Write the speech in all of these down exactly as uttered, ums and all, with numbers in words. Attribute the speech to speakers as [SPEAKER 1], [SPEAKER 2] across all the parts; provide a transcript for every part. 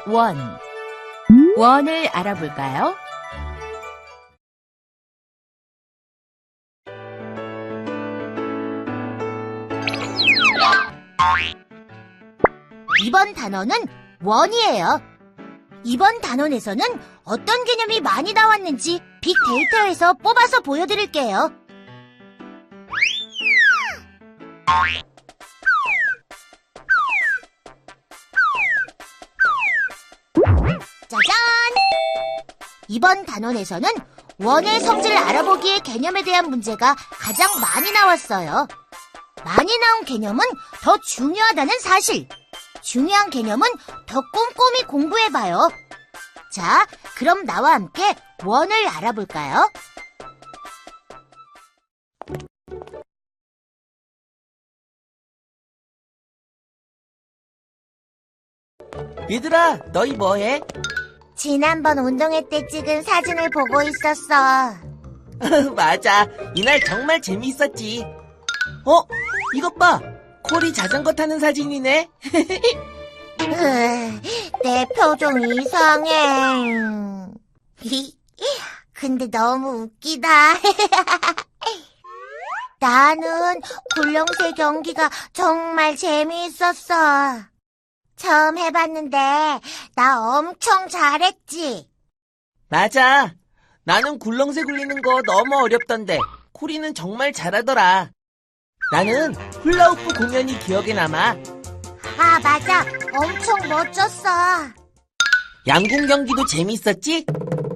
[SPEAKER 1] 원. 원을 알아볼까요?
[SPEAKER 2] 이번 단어는 원이에요. 이번 단원에서는 어떤 개념이 많이 나왔는지 빅데이터에서 뽑아서 보여드릴게요. 짜잔! 이번 단원에서는 원의 성질을 알아보기의 개념에 대한 문제가 가장 많이 나왔어요. 많이 나온 개념은 더 중요하다는 사실. 중요한 개념은 더 꼼꼼히 공부해봐요. 자, 그럼 나와 함께 원을 알아볼까요?
[SPEAKER 3] 얘들아, 너희 뭐해?
[SPEAKER 2] 지난번 운동회 때 찍은 사진을 보고 있었어.
[SPEAKER 3] 맞아, 이날 정말 재미있었지. 어? 이것 봐! 콜이 자전거 타는 사진이네.
[SPEAKER 2] 으, 내 표정 이상해. 근데 너무 웃기다. 나는 굴렁쇠 경기가 정말 재미있었어. 처음 해봤는데 나 엄청 잘했지.
[SPEAKER 3] 맞아. 나는 굴렁쇠 굴리는 거 너무 어렵던데 콜이는 정말 잘하더라. 나는 훌라후프 공연이 기억에 남아.
[SPEAKER 2] 아, 맞아. 엄청 멋졌어.
[SPEAKER 3] 양궁 경기도 재미있었지?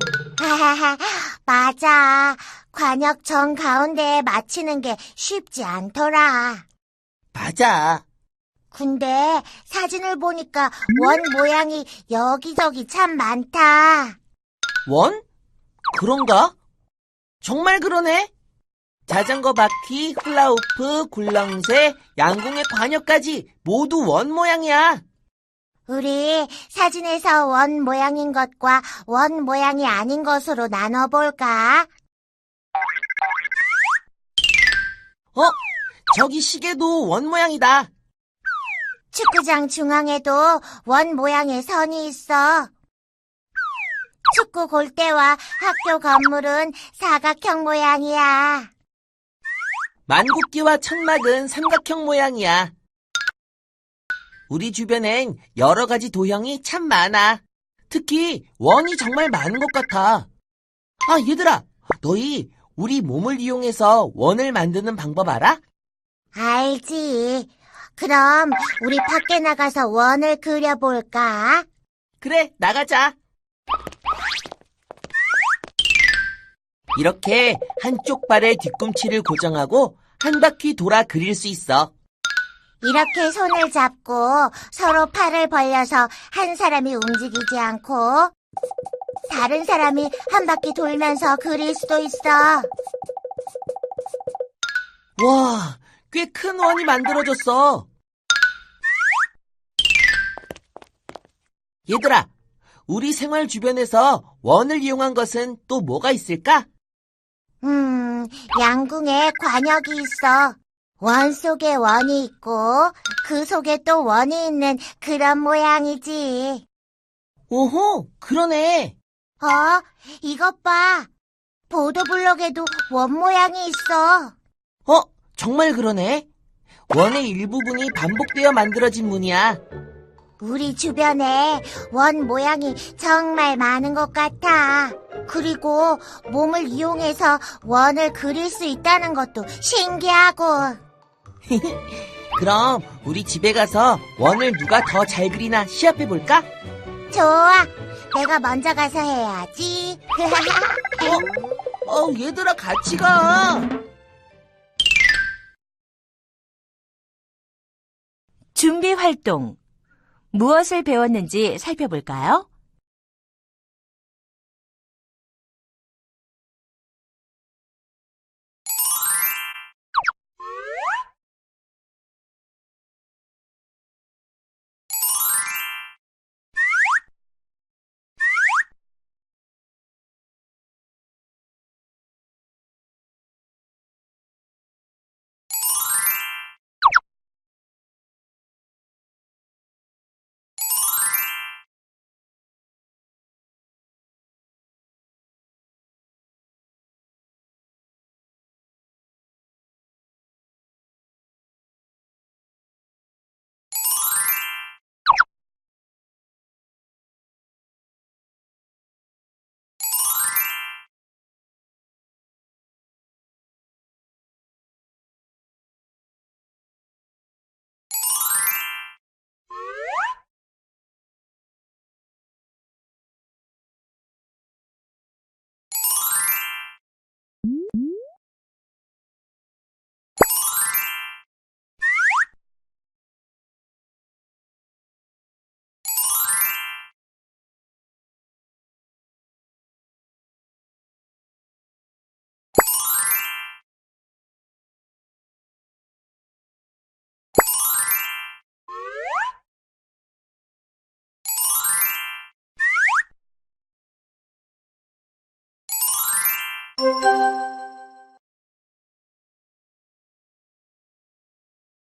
[SPEAKER 2] 맞아. 관역 정 가운데에 맞히는 게 쉽지 않더라.
[SPEAKER 3] 맞아.
[SPEAKER 2] 근데 사진을 보니까 원 모양이 여기저기 참 많다.
[SPEAKER 3] 원? 그런가? 정말 그러네. 자전거 바퀴, 훌라후프, 굴렁쇠, 양궁의 관역까지 모두 원 모양이야.
[SPEAKER 2] 우리 사진에서 원 모양인 것과 원 모양이 아닌 것으로 나눠볼까?
[SPEAKER 3] 어? 저기 시계도 원 모양이다.
[SPEAKER 2] 축구장 중앙에도 원 모양의 선이 있어. 축구 골대와 학교 건물은 사각형 모양이야.
[SPEAKER 3] 만국기와 천막은 삼각형 모양이야. 우리 주변엔 여러 가지 도형이 참 많아. 특히 원이 정말 많은 것 같아. 아, 얘들아, 너희 우리 몸을 이용해서 원을 만드는 방법 알아?
[SPEAKER 2] 알지. 그럼 우리 밖에 나가서 원을 그려볼까?
[SPEAKER 3] 그래, 나가자. 이렇게 한쪽 발의 뒤꿈치를 고정하고 한 바퀴 돌아 그릴 수 있어.
[SPEAKER 2] 이렇게 손을 잡고 서로 팔을 벌려서 한 사람이 움직이지 않고 다른 사람이 한 바퀴 돌면서 그릴 수도 있어.
[SPEAKER 3] 와, 꽤 큰 원이 만들어졌어. 얘들아, 우리 생활 주변에서 원을 이용한 것은 또 뭐가 있을까?
[SPEAKER 2] 음, 양궁에 관역이 있어. 원 속에 원이 있고 그 속에 또 원이 있는 그런 모양이지.
[SPEAKER 3] 오호, 그러네.
[SPEAKER 2] 어, 이것 봐. 보도블록에도 원 모양이 있어.
[SPEAKER 3] 어, 정말 그러네. 원의 일부분이 반복되어 만들어진 문이야.
[SPEAKER 2] 우리 주변에 원 모양이 정말 많은 것 같아. 그리고 몸을 이용해서 원을 그릴 수 있다는 것도 신기하고.
[SPEAKER 3] 그럼 우리 집에 가서 원을 누가 더 잘 그리나 시합해볼까?
[SPEAKER 2] 좋아. 내가 먼저 가서 해야지.
[SPEAKER 3] 어? 어, 얘들아 같이 가.
[SPEAKER 1] 준비 활동. 무엇을 배웠는지 살펴볼까요?
[SPEAKER 2] 원.